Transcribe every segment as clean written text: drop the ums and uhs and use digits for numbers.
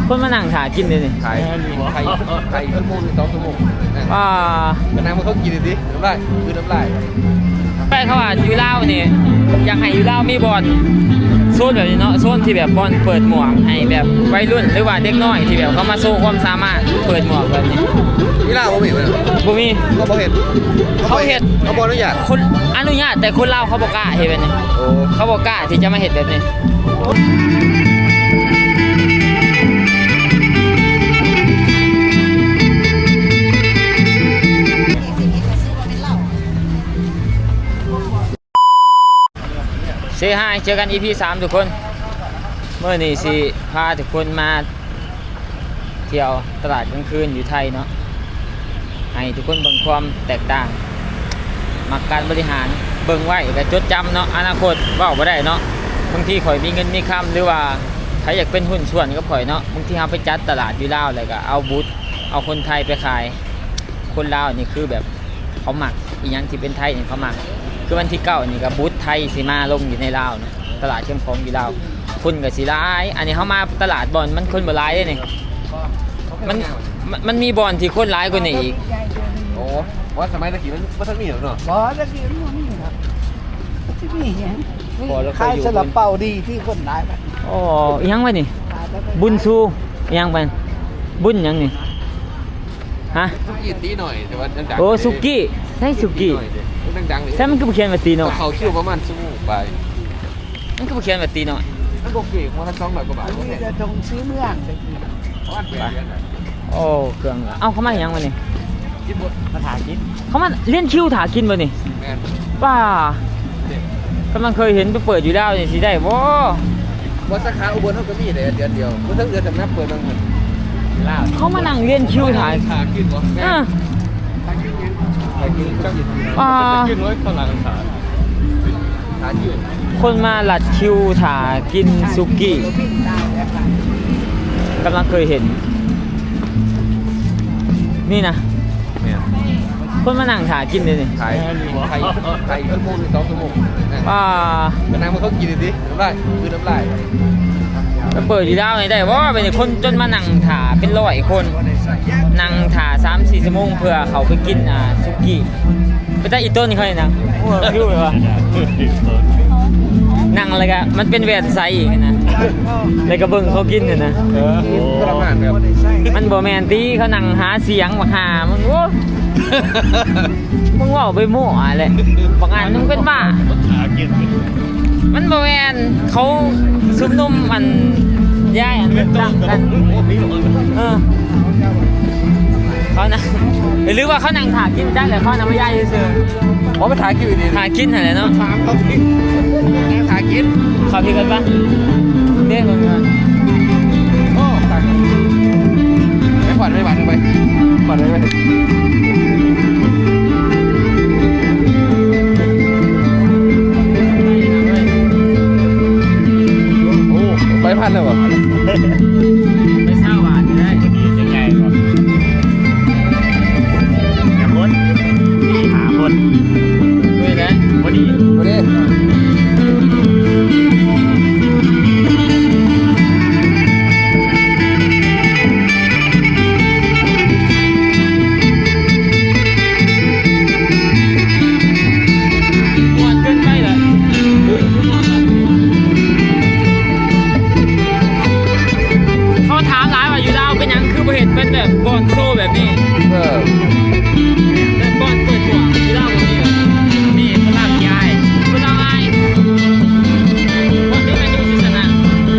คนมานั่งถ่ากินเลยนี่ไข่ชั่วโมงหรือ2 ชั่วโมงก็นั่งมาเขากินดิน้ำลายคือน้ำลายไปเขาว่าอยู่ลาวนี่อยากให้อยู่ลาวมีบอลโซนแบบนี้เนาะโซนที่แบบบอลเปิดหมวกให้แบบวัยรุ่นหรือว่าเด็กน้อยที่แบบเขามาโชว์ความสามารถเปิดหมวกแบบนี้นี่ล่าบ่มีมั้ยบ่มีก็บ่เห็นเขาเฮ็ดเขาบ่อนุญาตคนอนุญาตแต่คนลาวเขาบ่กล้าเฮ็ดแบบนี้เขาบ่กล้าที่จะมาเฮ็ดแบบนี้เซฮายเจอกัน EP 3ทุกคนเมื่อนี้สิพาทุกคนมาเที่ยวตลาดกลางคืนอยู่ไทยเนาะให้ทุกคนเบิ่งความแตกต่างมักการบริหารเบิ่งไว้ก็จดจำเนาะอนาคตเว้าบ่ได้เนาะบางทีข่อยมีเงินมีคำหรือว่าใครอยากเป็นหุ้นส่วนกับข่อยเนาะบางทีเฮาไปจัดตลาดอยู่ลาวแล้วก็เอาบูธเอาคนไทยไปขายคนลาวนี่คือแบบเขามักอีหยังที่เป็นไทยนี่เขามักคือวันที่9นี่ก็บูธไทยสิมาลงอยู่ในลาวนะตลาดเข้มของอยู่ลาวคนก็สิหลายอันนี้เฮามาตลาดบ่อนมันคนบ่หลายเด้นี่มันมีบ่อนที่คนหลายกว่านี้อีกโอ้ว่าสมัยตะกี้มันบ่ทันมีหรอกเนาะบ่ตะกี้มันบ่มีครับที่นี่ไงขายสลับเป่าดีที่คนหลายไปอ๋ออีหยังวะนี่บุญซูอีหยังไปบุญหยังนี่ฮะสุกี้ตีหน่อยแต่ว่าดังๆโอ้สุกี้ใช่สุกี้ดังๆนี่ใช่มันก็บ่เขียนว่าตีหน่อยเขาคิวประมาณชั่วโมงไปมันก็บ่เขียนว่าตีหน่อยมันบ่เก่งว่าทั้ง200 กว่าบาทบ่แพงจะตรงซื้อเมืองประมาณ8 เดือนโอ้เครื่องเอ้าเขามาหยังวะนี่กินบ่มาถากินเขามาเลี้ยนคิวถากินบ่นี่แม่นป้ากำลังเคยเห็นไปเปิดอยู่แล้วนี่สิได้บ่สาขาอุบลเฮาก็มีได้เดือนเดียวบ่ทั้งเดือนสำนักเปิดบางมื้อลาวเขามานั่งเลี้ยนคิวถากินบ่กินไว้ข้างหลังถากินคนมาหลัดคิวถากินสุกี้กำลังเคยเห็นนี่นะคนมานั่งถากินเลยนี่ไข่ชั่วโมงหรือ2 ชั่วโมงก็นั่งมาเขากินดิน้ำลายคือน้ำลายเปิดอยู่แล้วได้ว่าเป็นคนจนมานั่งถาเป็น100 คนนั่งถา3-4 ชั่วโมงเพื่อเขาไปกินสุกี้ไปได้อีต้นนี่เขาเนี่ยนะโอ้คิวเลยวะนั่งอะไรกันมันเป็นแหวนไซอีกนะเลยกระเบื้องเขากินเนี่ยนะมันบ่แมนตีเขานั่งหาเสียงบักหามึงโอ้มึงว่าไปมั่วอะไรบางอันมึงเป็นบ้ามันบ่แมนเขาซุ่มนุ่มมันย่ายอันดังกันเขานั่งหรือว่าเขานั่งถากินได้หรือเขานั่งไม่ย่ายเฉยๆไปถากินดีถากินอะไรเนาะถามเขาพี่ถากินเขาพี่กันปะเนี่ยคนกันโอ้ถากินไม่ผ่อนไม่หวานไปผ่อนไปโอ้ไปพันเลยวะไม่เศร้าหวานได้ยังไงก่อนหาคนด้วยนะพอดีเป็นแบบบอลโซ่แบบนี้แบบบอลเปิดหัวที่เล่าแบบนี้นี่พลังยายพลังไอ้คนที่ไม่ดูศิษนะ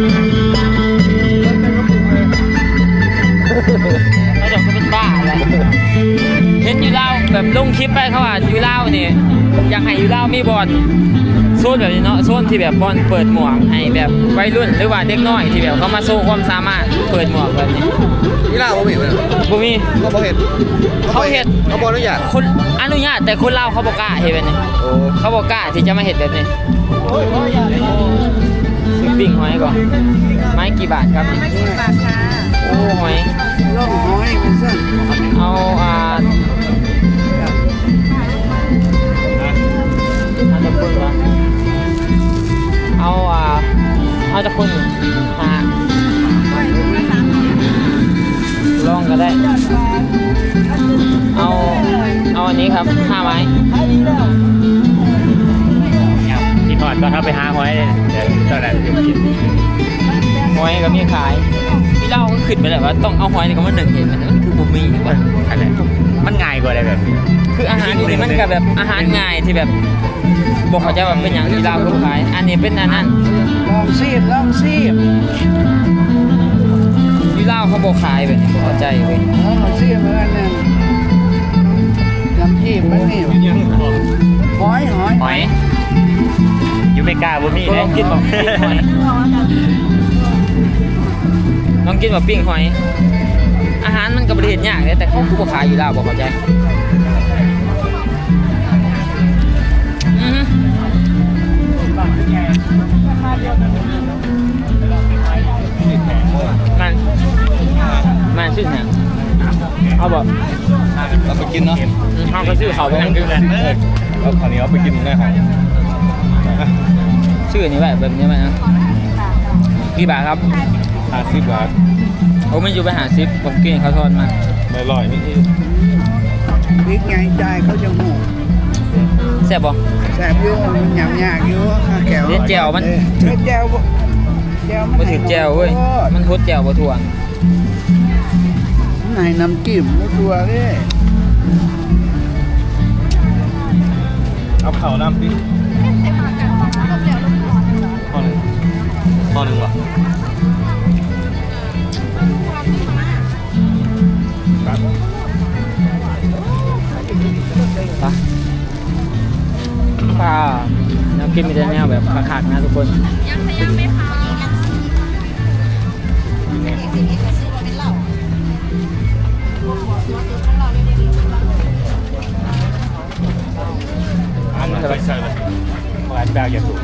เขาจะเป็นบ้าแล้วเห็นอยู่เล่าแบบลงคลิปไปเขาว่าอยู่เล่านี่อยากให้อยู่เล่ามีบอลโซนแบบนี้เนาะโซนที่แบบบอลเปิดหมวกให้แบบวัยรุ่นหรือว่าเด็กน้อยที่แบบเขามาโชว์ความสามารถเปิดหมวกแบบนี้นี่ล่าบ่มีมั้ยบ่มีก็บ่เห็นเขาบ่อนุญาตคนอนุญาตแต่คนลาวเขาบ่กล้าเฮ็ดแบบนี้เขาบ่กล้าที่จะมาเฮ็ดแบบนี้ซื้อปิ้งหอยก่อนไม้กี่บาทครับไม้10 บาทค่ะโอ้หอยล่องหอยมันซั่นเอาเอาจะคนหาก็ได้เอาอันนี้ครับ5 ไม้กินหอดก็ถ้าไปหาหอยเลยเดี๋ยวตอนนั้นจะกินหอยก็มีขายพี่เล่าก็ขึ้นไปแหละว่าต้องเอาหอยนี่ก็มาหนึ่งเห็นมันคือบุมีว่าอะไรมันง่ายกว่าอะไรแบบนี้คืออาหารนี่มันก็แบบอาหารง่ายที่แบบบอกเขาจะแบบเป็นอย่างที่เราก็ขายอันนี้เป็นอันนั้นลองซีบที่เล่าเขาบอกขายแบบนี้เข้าใจเว้ยลองซีบเหมือนกันเนี่ยน้ำจิ้มมันนี่หอยหอยอยูไม่กล้าบุมี่ลเลองกินแบบปิ้งหอยลองกินแบบปิ้งหอย อาหารมันก็บริเวณยากเลยแต่เขาคือบอกขายอยู่แล้วบอกเข้าใจมันชื่อเนี่ยเอาบอกเราไปกินเนาะเขาก็ชื่อเขาไปนั่งกินเอาคราวนี้เอาไปกินได้ของชื่อนี้แบบนี้ไหมนะกี่บาทครับ 50 บาทโอ้มันอยู่ไปหาซิปผมกินเขาทอดมาไม่อร่อยนี่พริกไงใจเขาจะหูแซ่บบ่แสบอยู่มันหยำยากอยู่แก้วเด็ดแจ่วมันแก้วมันมาถึงแจ่วเว้ยมันทดแจ่วบ่ถ่วงไหนน้ำจิ้มมุตัวเลยเอาเข่าน้ำดิพอหนึ่งวะปะป้าน้ำกินมีแต่แนวแบบขาดๆนะทุกคนอันนั้นไปใส่เลยหวานแบกอย่าสูง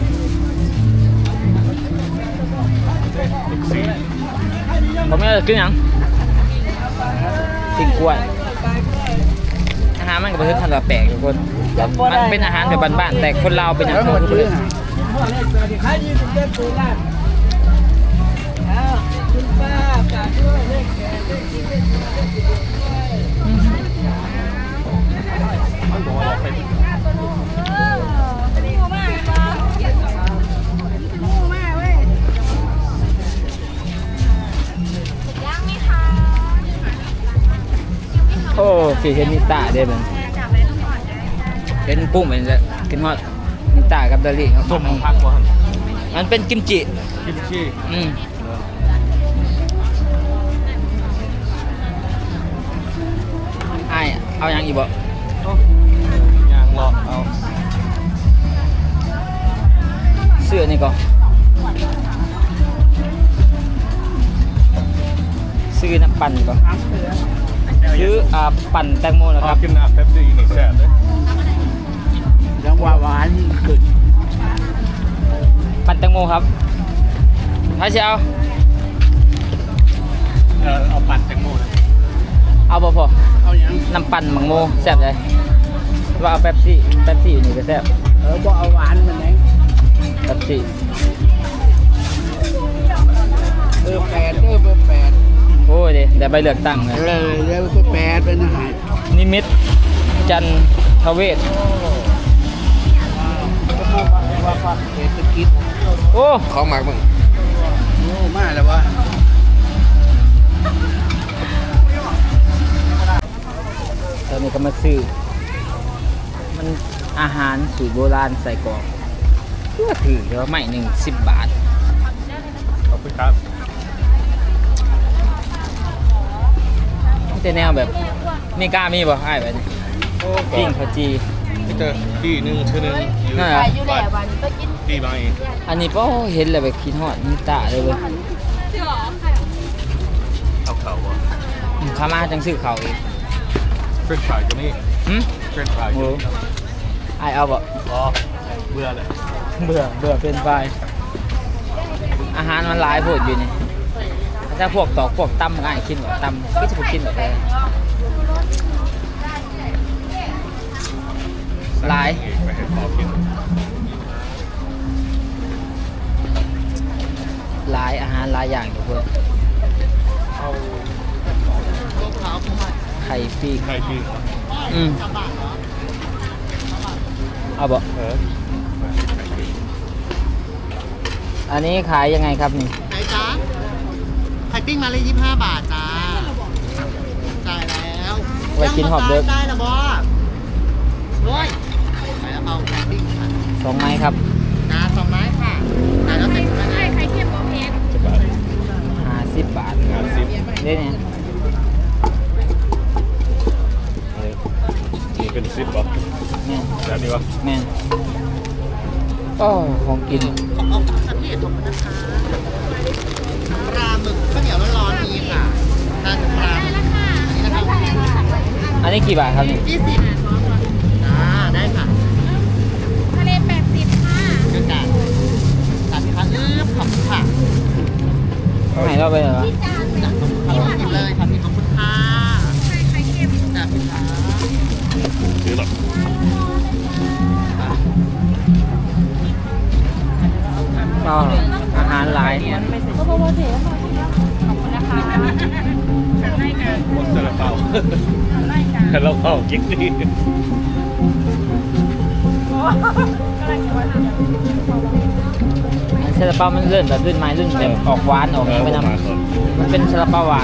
ผมไม่ได้กินหยังกินกล้วยอาหารมันก็เป็นทันแบบแปลกทุกคนมันเป็นอาหารแบบบ้านๆแต่คนเราวเป็นอย่างแล้วหมเขาดคือชื่เพื่ออนขายดีสุดเด็ดตัวแรกคุณป้ากาด้วยเลขแก่เลขที่เลขโอ้ฝีเห็นนิตาได้เป็นเห็นกุ้งเป็นจะกินฮอดนิตากับดาลี่ส้มพักวะมันเป็นกิมจิกิมชีอ้ายเอาอย่างอีกบ่ยางรอเอาเสื้อนี่ก็ซื้อน้ำปั่นก่อนซื้อปั่นแตงโมนะคเอารับกินน้ำเป๊ปซี่นี่แซ่บเลยจังหวะหวานเกิดปั่นแตงโมครับถ้าจะเอาเอาปั่นแตงโมนะเอาบ่พอเอาอย่างน้ำปั่นมังโมแซ่บเลยว่าเอาเป๊ปซี่อยู่นี่ก็แซ่บบ่เอาหวานมันเองเป๊ปซี่เบอร์แปดโอ้ยเดี๋ยวใบเลือกตั้งเลยเลยเบอร์แปดเป็นอาหารนิมิตจันทเวศว่าเศรษฐกิจโอ้ของหมักมึงโอ้มาแล้ววะตอนนี้ก็มาซื้อมันอาหารสูตรโบราณใส่กรอกเพื่อถือเดี๋ยวไม่หนึ่ง10 บาทขอบคุณครับแต่แนวแบบนี่กล้ามีบ่ไอ้ายแบบนี้ปิ้งข้าวจีพี่เจอที่หนึ่งชื่อหนึ่งอยู่นั่นเหรอบ้านพี่บางอีกอันนี้ป้อเห็นเลยแบบคิดฮอดนิตาเลยเว้ยเอาเข่าวะข้ามาจังซื้อเขาวอีกเฟรนช์ฟรายก็นี่หึเฟรนช์ฟรายโอ้ไอ้ายเอาบ่อ๋อเบื่อเลยเบื่อเป็นไฟอาหารมันหลายโพดอยู่นี่ถ้าพวกตอกพวกตำง่ายกินแบบตำก็จะกินแบบเลยหลายไปให้พ่อกินหลายอาหารหลายอย่างทุกคนเอาข่ปีกไข่ปีอืมเอาบ่ อันนี้ขายยังไงครับนี่ไหนจ๊ะไข่ปิ้งมาเลย25 บาทจ้าจ่ายแล้วไว้กินหอบเด้อได้แล้วบอสโอ้ยไปแล้วเอาไข่ปิ้งค่ะ 2 ไม้ครับจ้า2 ไม้ค่ะจ่ายแล้วเสร็จแล้วนะไข่เค็มโอเคจะบาท 50 บาท 50 เด้เนี่ยนี่เป็น10ป่ะแม่นแบบนี้ป่ะแม่นก็ของกินขอบคุณค่ะพี่ขอบคุณนะคะปลาหมึกข้าวเหนียวร้อนๆนี้ค่ะทานปลาหมึกนี่นะคะอันนี้กี่บาทครับนี่ 20จ้าได้ค่ะทะเล80ค่ะเชิญจ้าจัดที่พักขอบคุณค่ะให้เราไปเหรอจ้าขอบคุณเลยค่ะพี่ขอบคุณค่ะไข่เค็มจ้าพี่ค่ะซื้อหรอก็อาหารหลายขอบคุณนะคะได้กันหมดซาลาเปาได้กันซาลาเปากิ๊กดีซาลาเปามันเลื่อนแบบลื่นไม้ลื่นแบบออกหวานออกไปนำมันเป็นซาลาเปาหวาน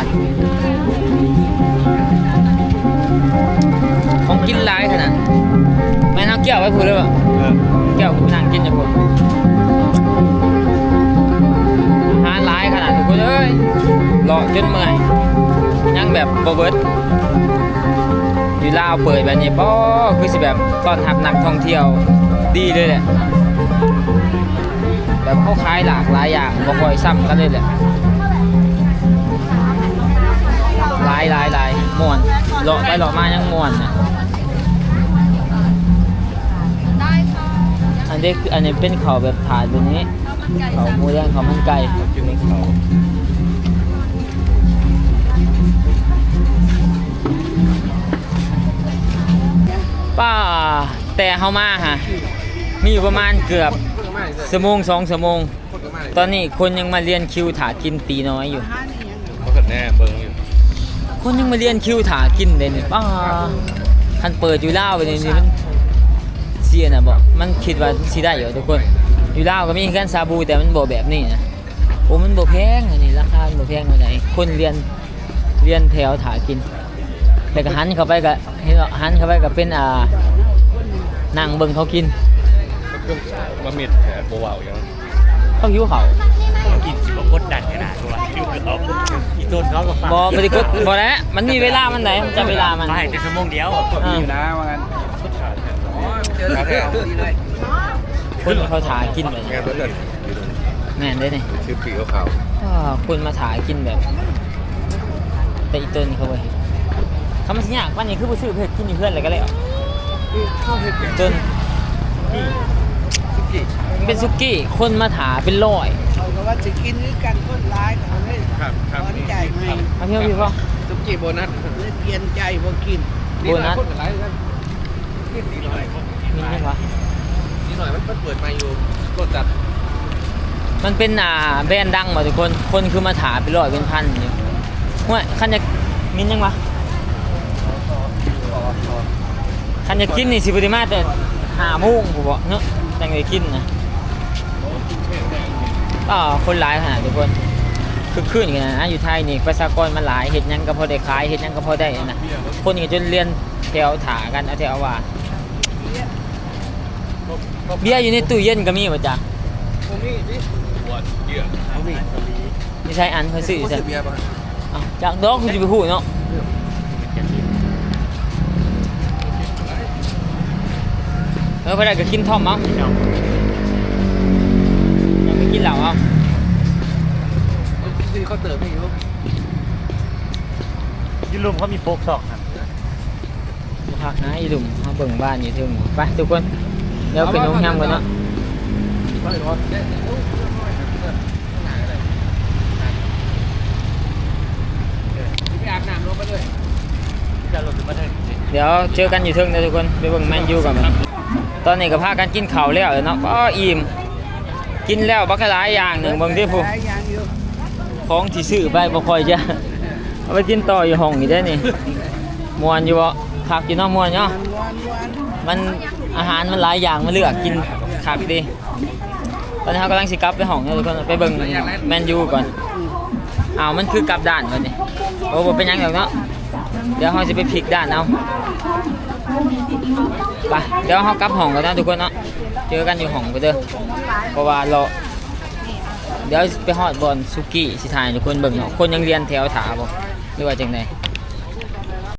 ของกินหลายขนาดแม่น้ำเกี่ยวไว้พูดเลยป่ะเกี่ยวกูนั่งกินอยู่พูดอาหารหลายขนาดทุกคนเอ้ยรอจนเมื่อยยังแบบบ่เบิดอยู่ลาวเปิดแบบนี้ป้อคือสิแบบต้อนรับนักท่องเที่ยวดีเลยแหละแบบเขาขายหลากหลายอย่างบ่ค่อยซ้ำกันเลยแหละหลายม่วนเลาะไปเลาะมายังม่วนนะได้ค่ะอันนี้เป็นเขาวแบบถาดแบบนี้ข้าวมันไก่เขาวหมูแดงเขาวมันไก่กินน้ำเขาป้าแต่เฮามาฮะมีอยู่ประมาณเกือบชั่วโมง2 ชั่วโมง ตอนนี้คนยังมาเรียนคิวถากินตีน้อยอยู่เขากัดแน่เบิ้งอยู่คนยังมาเรียนคิวถากินเลยเนี่ยป้าคันเปิดอยู่ลาวไปนี่มันเสียนะบอกมันคิดว่าสิได้อยู่ทุกคนอยู่ลาวก็มีกันซาบูแต่มันบ่แบบนี้นะโอ้มันบ่แพงอันนี้ราคามันบ่แพงเท่าไหร่คนเรียนแถวถากินแต่ก็หันเข้าไปก็เห็นว่าหันเข้าไปก็เป็นนั่งเบิ่งเขากินเครื่องบะหมี่แผลโบวาวอย่างนั้นเขาหิวเขากินสิบกดดันขนาดว่าคิวเขาอีต้นเขาก็ฟังบ่ได้กดบ่ได้มันมีเวลามันไหนมันจะเวลามันเขาให้แต่ชั่วโมงเดียวอยู่นะว่างั้นคนเขาถากินแบบงานตัวเดินแม่นเด้นี่ชื่อปีขาวคนมาถากินแบบ แต่อีต้นเขาเว้ยเขามาสิยากวันนี้คือบ่ซื้อเผ็ดกินอยู่เพื่อนเลยก็แล้วต้นมันเป็นซุกี้คนมาถาเป็นร้อยเขาก็ว่าจะกินด้วยกันคนร้ายเขาเลยครับครับร้อนใจไหมมาเที่ยวพี่พ่อตุ๊กกี้โบนัสเลยเปลี่ยนใจพอกินโบนัสคนหลายกันนิดหน่อยมีไหมวะนิดหน่อยมันเปิดมาอยู่รถจัดมันเป็นแบรนด์ดังมาทุกคนคนคือมาถาเป็นร้อยเป็นพันอยู่ห้วยคันจะมินยังวะคันจะกินนี่สิบริมาแต่5 โมงผมบอกเนาะแต่งได้กินนะคนหลายขนาดทุกคนคือขึ้นกันนะอยู่ไทยนี่ประชากรมันหลายเห็ดหยังก็พอได้ขายเห็ดหยังก็พอได้นะคนก็จนเรียนแถวถากันเอาแถวว่าเบียร์อยู่ในตู้เย็นก็มีป่ะจ๊ะผมนี่ดิปวดเยื่อผมนี่ไม่ใช่อันเขาซื้อผมใช่ซื้อเบียร์ป่ะจากดอกคุณจะไปพูดเนาะพอได้ก็กินท่อมมั้งยังไม่กินเหล้าเอาซื้อเขาเติมให้อยู่ยุลุมเขามีโฟกซอกครับพักนะอีหลุมเขาเบิ่งบ้านอยู่ถึงไปทุกคนเดี๋ยวเป็นโรงแรมกันเนาะไปอาบน้ำลงไปเลยจะหลุดมาเลยเดี๋ยวเจอกันอยู่ถึงนะทุกคนไปเบิ่งแมนยูกันมั้ยตอนนี้ก็พากันกินข้าวแล้วเนาะก็อิ่มกินแล้วบักหลายอย่างหนึ่งเบิ่งที่ผู้หลายอย่างอยู่ของที่ซื้อไปบ่ค่อยจะเอาไปกินต่ออยู่ห้องนี่ได้นี่มวนอยู่บ่คักอยู่เนาะมวนเนาะมันอาหารมันหลายอย่างมาเลือกกินคักดีตอนนี้เรากำลังสิกลับไปห้องทุกคนไปเบิ่งแมนยูก่อนอ้าวมันคือกลับด้านก่อนนี่โอ้บ่เป็นหยังหรอกเนาะเดี๋ยวเราสิไปพลิกด้านเอาไปเดี๋ยวเรากลับห้องกันนะทุกคนเนาะเจอกันอยู่ห้องกันเด้อเพราะว่าเราเดี๋ยวไปฮอดบอลซุกี้สิถ่ายทุกคนเบิ่งเนาะคนยังเรียนแถวถาบ่หรือว่าจังได